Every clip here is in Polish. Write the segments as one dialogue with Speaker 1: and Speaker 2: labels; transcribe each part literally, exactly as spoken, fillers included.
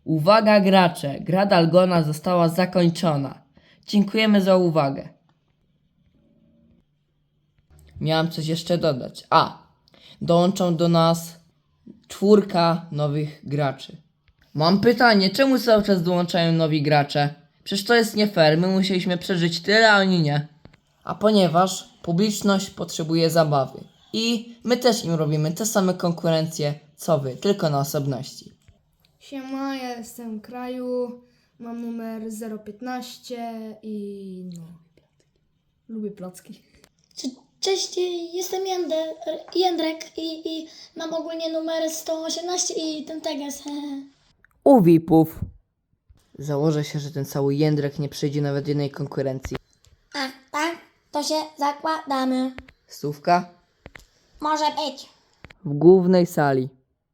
Speaker 1: Uwaga gracze, gra Dalgona została zakończona. Dziękujemy za uwagę. Miałem coś jeszcze dodać. A, dołączą do nas czwórka nowych graczy. Mam pytanie, czemu cały czas dołączają nowi gracze? Przecież to jest nie fair, my musieliśmy przeżyć tyle, a oni nie. A ponieważ publiczność potrzebuje zabawy i my też im robimy te same konkurencje, co wy, tylko na osobności.
Speaker 2: Siema, ja jestem Kraju, mam numer zero piętnaście i no, lubię placki.
Speaker 3: Cześć, jestem Jęder, Jędrek i, i mam ogólnie numer sto osiemnaście i ten teges.
Speaker 1: U V I P-ów. Założę się, że ten cały jędrek nie przejdzie nawet jednej konkurencji.
Speaker 3: A, tak? To się zakładamy.
Speaker 1: Stówka?
Speaker 3: Może być.
Speaker 1: W głównej sali.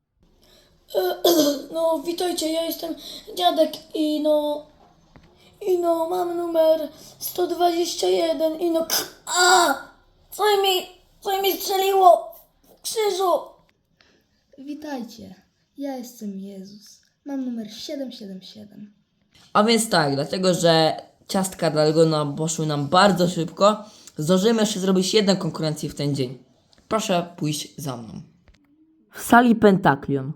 Speaker 3: No, witajcie, ja jestem dziadek i no... I no, mam numer sto dwadzieścia jeden i no... A! Co mi, co mi strzeliło w krzyżu?
Speaker 2: Witajcie, ja jestem Jezus, mam numer siedem siedem siedem.
Speaker 1: A więc tak, dlatego że ciastka Dalgona poszły nam bardzo szybko, zdążymy jeszcze zrobić jedną konkurencję w ten dzień. Proszę pójść za mną. W sali Pentaklion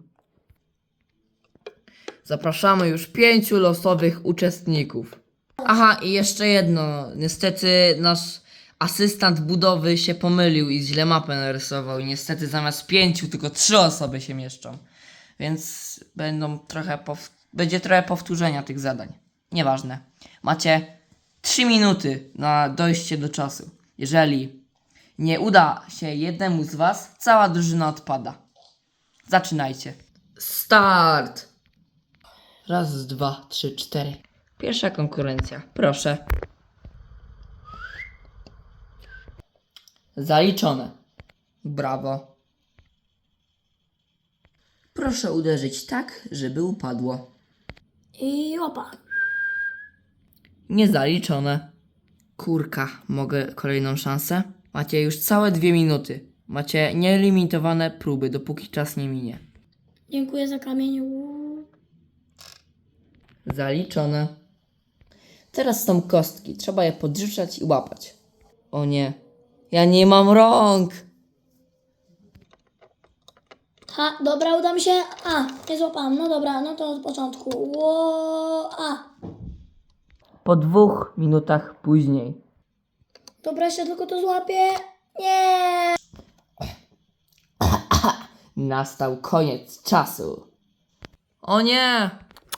Speaker 1: zapraszamy już pięciu losowych uczestników. Aha, i jeszcze jedno. Niestety nasz asystent budowy się pomylił i źle mapę narysował. I niestety zamiast pięciu tylko trzy osoby się mieszczą. Więc będą trochę pow- będzie trochę powtórzenia tych zadań. Nieważne. Macie trzy minuty na dojście do czasu. Jeżeli nie uda się jednemu z was, cała drużyna odpada. Zaczynajcie. Start! Raz, dwa, trzy, cztery. Pierwsza konkurencja. Proszę. Zaliczone. Brawo. Proszę uderzyć tak, żeby upadło.
Speaker 3: I opa.
Speaker 1: Niezaliczone. Kurka, mogę kolejną szansę? Macie już całe dwie minuty. Macie nielimitowane próby, dopóki czas nie minie.
Speaker 3: Dziękuję za kamień.
Speaker 1: Zaliczone. Teraz są kostki. Trzeba je podrzucać i łapać. O nie. Ja nie mam rąk.
Speaker 3: Ha, dobra, uda mi się. A, nie złapałam. No dobra, no to od początku. Ło, a.
Speaker 1: Po dwóch minutach później.
Speaker 3: Dobra, jeszcze tylko to złapię. Nie.
Speaker 1: Nastał koniec czasu. O nie!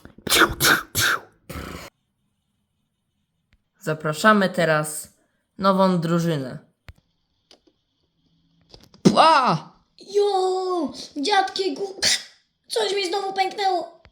Speaker 1: Zapraszamy teraz nową drużynę. Pła!
Speaker 3: Jo, dziadki, gu... coś mi znowu pęknęło.